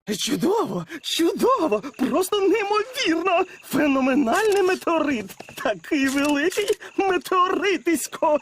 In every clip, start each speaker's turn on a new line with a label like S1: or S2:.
S1: Чудово, чудово, просто неймовірно. Феноменальний метеорит. Такий великий метеоритисько.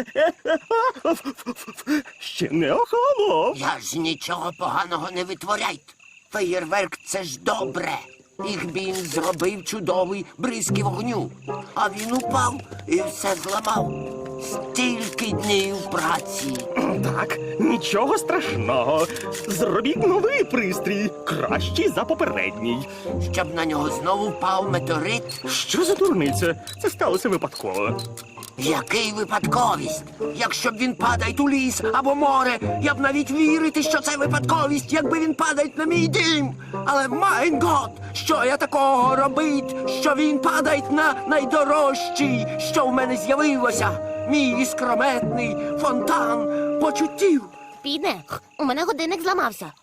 S1: Ще не охолонув.
S2: Я ж нічого поганого не витворяйте. Феєрверк – це ж добре. Ігбін зробив чудовий бризки вогню. А він упав і все зламав. Стільки днів праці.
S1: Так, нічого страшного. Зробіть новий пристрій, кращий за попередній.
S2: Щоб на нього знову впав метеорит.
S1: Що за дурниця? Це сталося випадково.
S2: Який випадковість? Якщо б він падає у ліс або море, я б навіть вірити, що це випадковість, якби він падає на мій дім. Але, майн гот, що я такого робить, що він падає на найдорожчий, що в мене з'явилося? Мій іскрометний фонтан почуттів.
S3: Піде, у мене годинник зламався.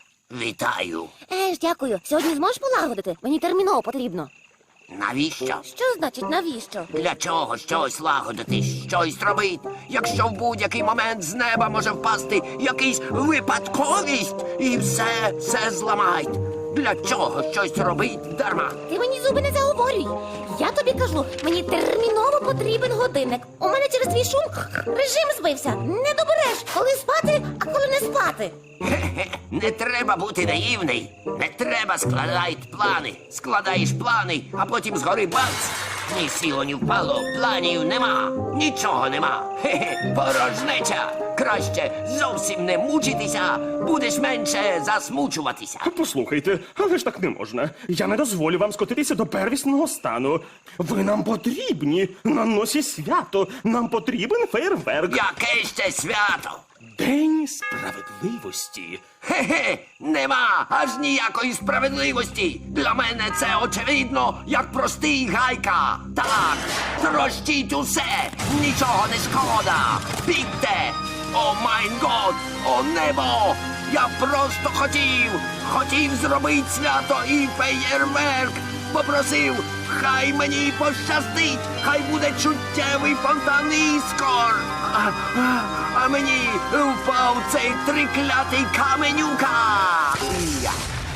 S2: Вітаю.
S3: Дякую. Сьогодні зможеш полагодити? Мені терміново потрібно.
S2: Навіщо?
S3: Що значить навіщо?
S2: Для чого щось лагодити, щось робить, якщо в будь-який момент з неба може впасти якийсь випадковість і все зламають? Для чого щось робить дарма?
S3: Ти мені зуби не заговорюй. Я тобі кажу, мені терміново потрібен годинник. У мене через твій шум режим збився. Не добереш, коли спати, а коли не спати.
S2: Хе-хе, не треба бути наївний. Не треба складати плани. Складаєш плани, а потім згори бац. Ні сіло, ні впало, планів нема. Нічого нема. Хе-хе, порожнеча. Краще зовсім не мучитися, будеш менше засмучуватися.
S1: Послухайте, але ж так не можна. Я не дозволю вам скотитися до первісного стану. Ви нам потрібні. На носі свято. Нам потрібен фейерверк.
S2: Яке ще свято?
S1: День справедливості.
S2: Хе-хе, нема аж ніякої справедливості. Для мене це очевидно, як простий гайка. Так, трощіть усе, нічого не шкода. Бігте! О майн год, о небо! Я просто хотів зробити свято і феєрверк. Попросив, хай мені пощастить, хай буде чуттєвий фонтан іскор. А мені впав цей триклятий каменюка. Я.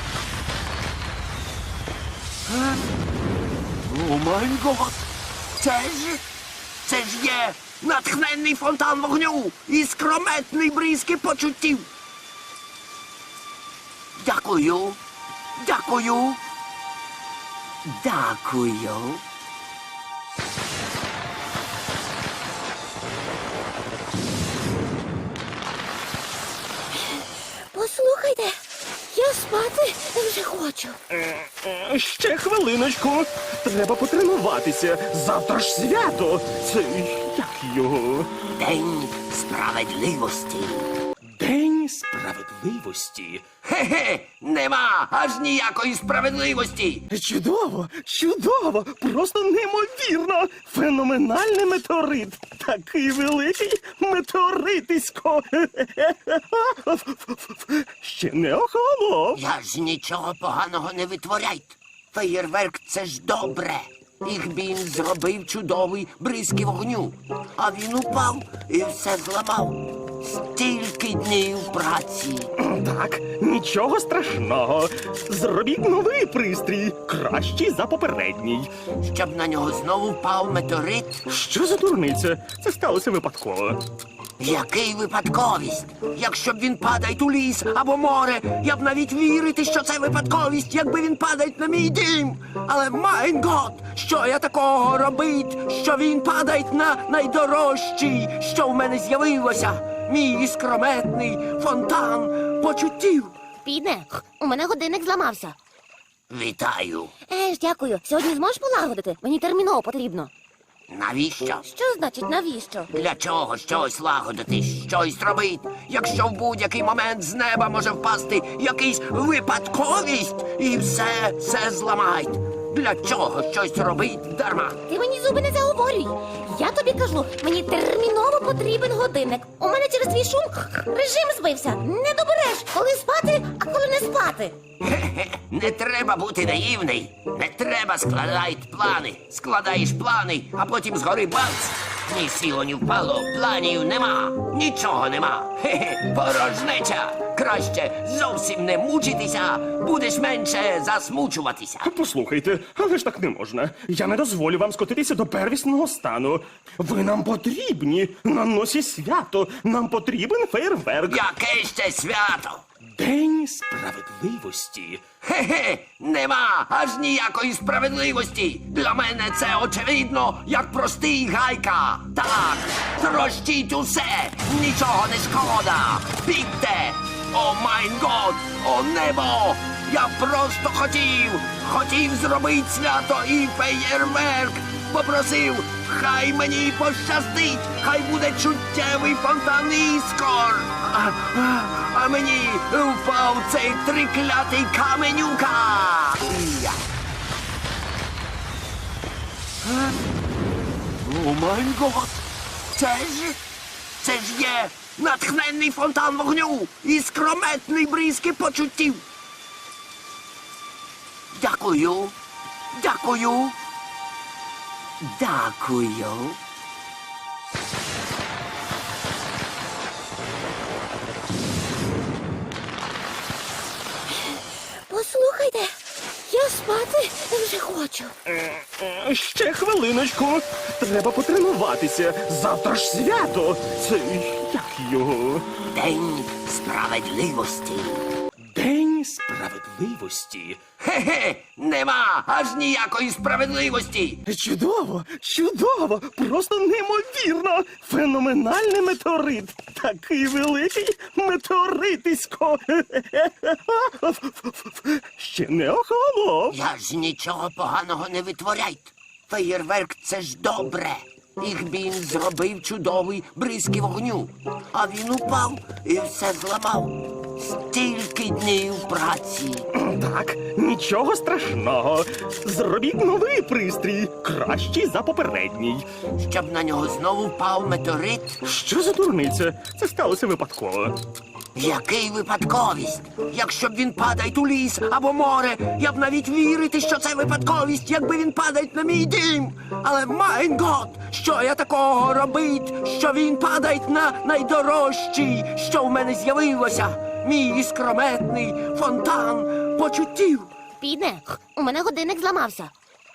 S2: О май гот! Це ж є натхненний фонтан вогню і скрометний бризки почуттів. Дякую. Дякую. Дякую.
S3: Послухайте, я спати вже хочу.
S1: Ще хвилиночку. Треба потренуватися. Завтра ж свято. Це як його?
S2: День справедливості.
S1: День справедливості.
S2: Хе-хе, нема аж ніякої справедливості.
S1: Чудово, чудово, просто неймовірно. Феноменальний метеорит. Такий великий метеоритисько. Ще не охолонув.
S2: Я ж нічого поганого не витворяйте. Феєрверк – це ж добре. Ігбін зробив чудовий бризки вогню. А він упав і все зламав. Стільки днів праці.
S1: Так, нічого страшного. Зробіть новий пристрій, кращий за попередній.
S2: Щоб на нього знову впав метеорит.
S1: Що за дурниця? Це сталося випадково.
S2: Який випадковість? Якщо б він падає у ліс або море, я б навіть вірити, що це випадковість, якби він падає на мій дім. Але, майн гот, що я такого робить, що він падає на найдорожчий, що в мене з'явилося? Мій іскрометний фонтан почуттів.
S3: Піде, у мене годинник зламався.
S2: Вітаю.
S3: Дякую. Сьогодні зможеш полагодити? Мені терміново потрібно.
S2: Навіщо?
S3: Що значить навіщо?
S2: Для чого щось лагодити, щось робить, якщо в будь-який момент з неба може впасти якийсь випадковість і все зламають? Для чого щось робить дарма?
S3: Ти мені зуби не заговорюй. Я тобі кажу, мені терміново потрібен годинник. У мене через твій шум режим збився. Не добереш, коли спати, а коли не спати.
S2: Хе-хе, не треба бути наївний. Не треба складати плани. Складаєш плани, а потім згори бац. Ні сіло, ні впало, планів нема, нічого нема. Хе-хе, порожнеча. Краще зовсім не мучитися, будеш менше засмучуватися.
S1: Послухайте, але ж так не можна. Я не дозволю вам скотитися до первісного стану. Ви нам потрібні на носі свято. Нам потрібен фейерверк.
S2: Яке ще свято?
S1: День справедливості.
S2: Хе-хе, нема аж ніякої справедливості. Для мене це очевидно, як простий гайка. Так, трощіть усе, нічого не шкода. Бігте! О майн год, о небо! Я просто хотів зробити свято і феєрверк. Попросив, хай мені пощастить, хай буде чуттєвий фонтан іскор. А мені впав цей триклятий каменюка. Я. О май гот! Це ж є натхненний фонтан вогню і скрометний бризки почуттів. Дякую. Дякую. Дякую.
S3: Послухайте, я спати вже хочу.
S1: Ще хвилиночку. Треба потренуватися. Завтра ж свято. Це як його?
S2: День справедливості.
S1: День справедливості.
S2: Хе-хе, нема аж ніякої справедливості.
S1: Чудово, чудово, просто неймовірно. Феноменальний метеорит. Такий великий метеоритисько. Ще не охолонув.
S2: Я ж нічого поганого не витворяйте. Феєрверк — це ж добре. Їх він зробив чудовий бризки вогню. А він упав і все зламав. Стільки днів праці.
S1: Так, нічого страшного. Зробіть новий пристрій, кращий за попередній.
S2: Щоб на нього знову впав метеорит.
S1: Що за дурниця? Це сталося випадково.
S2: Який випадковість? Якщо б він падає у ліс або море, я б навіть вірити, що це випадковість, якби він падає на мій дім. Але майн гот, що я такого робить, що він падає на найдорожчий, що в мене з'явилося. Мій іскрометний фонтан почуттів.
S3: Піде, у мене годинник зламався.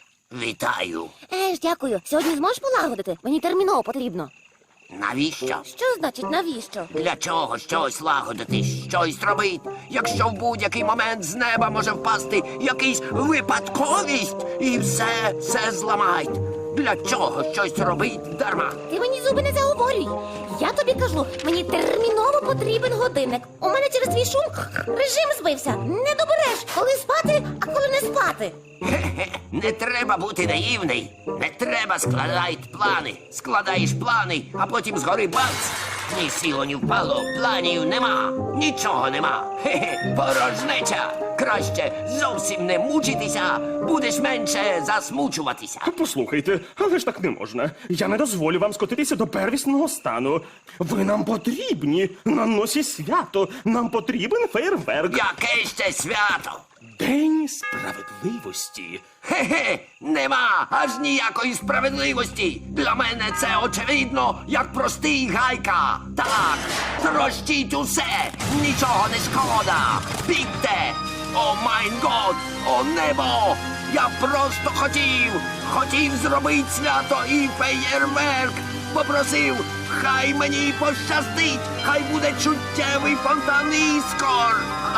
S2: Вітаю.
S3: Дякую. Сьогодні зможеш полагодити? Мені терміново потрібно.
S2: Навіщо?
S3: Що значить навіщо?
S2: Для чого щось лагодити, щось робити, якщо в будь-який момент з неба може впасти якийсь випадковість і все зламають? Для чого щось робить дарма?
S3: Ти мені зуби не заговорюй. Я тобі кажу, мені терміново потрібен годинник. У мене через твій шум режим збився. Не добереш, коли спати, а коли не спати.
S2: Хе-хе, не треба бути наївний. Не треба складати плани. Складаєш плани, а потім згори бац. Ні сіло, ні впало, планів нема, нічого нема. Хе-хе, порожнеча. Краще зовсім не мучитися, будеш менше засмучуватися.
S1: Послухайте, але ж так не можна. Я не дозволю вам скотитися до первісного стану. Ви нам потрібні на носі свято. Нам потрібен фейерверк.
S2: Яке ще свято?
S1: День справедливості.
S2: Хе-хе, нема аж ніякої справедливості. Для мене це очевидно, як простий гайка. Так, трощіть усе, нічого не шкода. Бігте! О майн год, о небо! Я просто хотів зробити свято і феєрверк. Попросив, хай мені пощастить, хай буде чуттєвий фонтан іскор.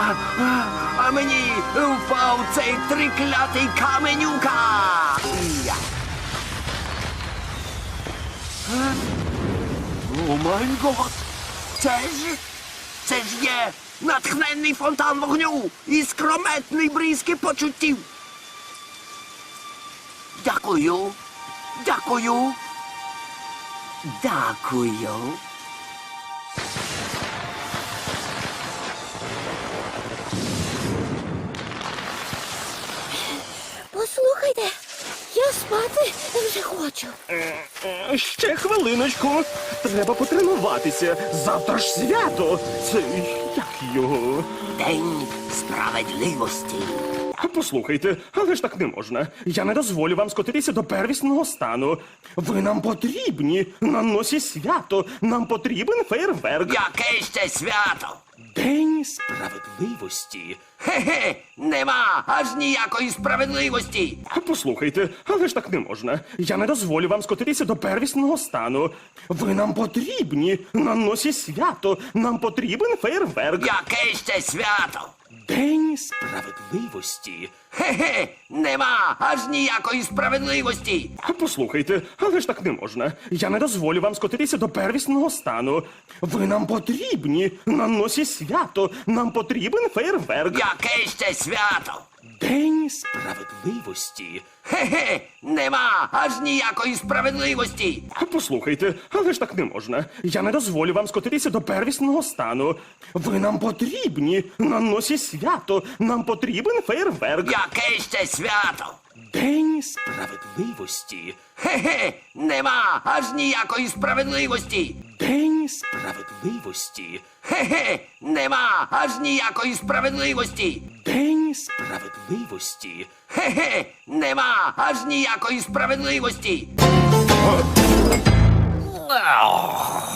S2: А мені впав цей триклятий каменюка. Я. О май гот! Це ж є натхненний фонтан вогню і скрометний бризки почуттів. Дякую. Дякую. Дякую.
S3: Послухайте, я спати вже хочу.
S1: Ще хвилиночку. Треба потренуватися. Завтра ж свято. Це як його?
S2: День справедливості.
S1: Послухайте, але ж так не можна. Я не дозволю вам скотитися до первісного стану. Ви нам потрібні на носі свято. Нам потрібен фейерверк.
S2: Яке ще свято?
S1: День справедливості.
S2: Хе-хе, нема аж ніякої справедливості.
S1: Послухайте, але ж так не можна. Я не дозволю вам скотитися до первісного стану. Ви нам потрібні на носі свято. Нам потрібен фейерверк.
S2: Яке ще свято?
S1: День справедливості.
S2: Хе-хе, нема аж ніякої справедливості.
S1: Послухайте, але ж так не можна. Я не дозволю вам скотитися до первісного стану. Ви нам потрібні на носі свято. Нам потрібен фейерверк.
S2: Яке ще свято?
S1: День справедливості.
S2: Хе-хе, нема аж ніякої справедливості.
S1: Послухайте, але ж так не можна. Я не дозволю вам скотитися до первісного стану. Ви нам потрібні на носі свято. Нам потрібен фейерверк.
S2: Яке ще свято?
S1: День справедливості.
S2: Хе-хе, нема аж ніякої справедливості.
S1: День справедливості.
S2: Хе-хе, нема аж ніякої справедливості.
S1: День справедливості.
S2: Хе-хе, нема аж ніякої справедливості.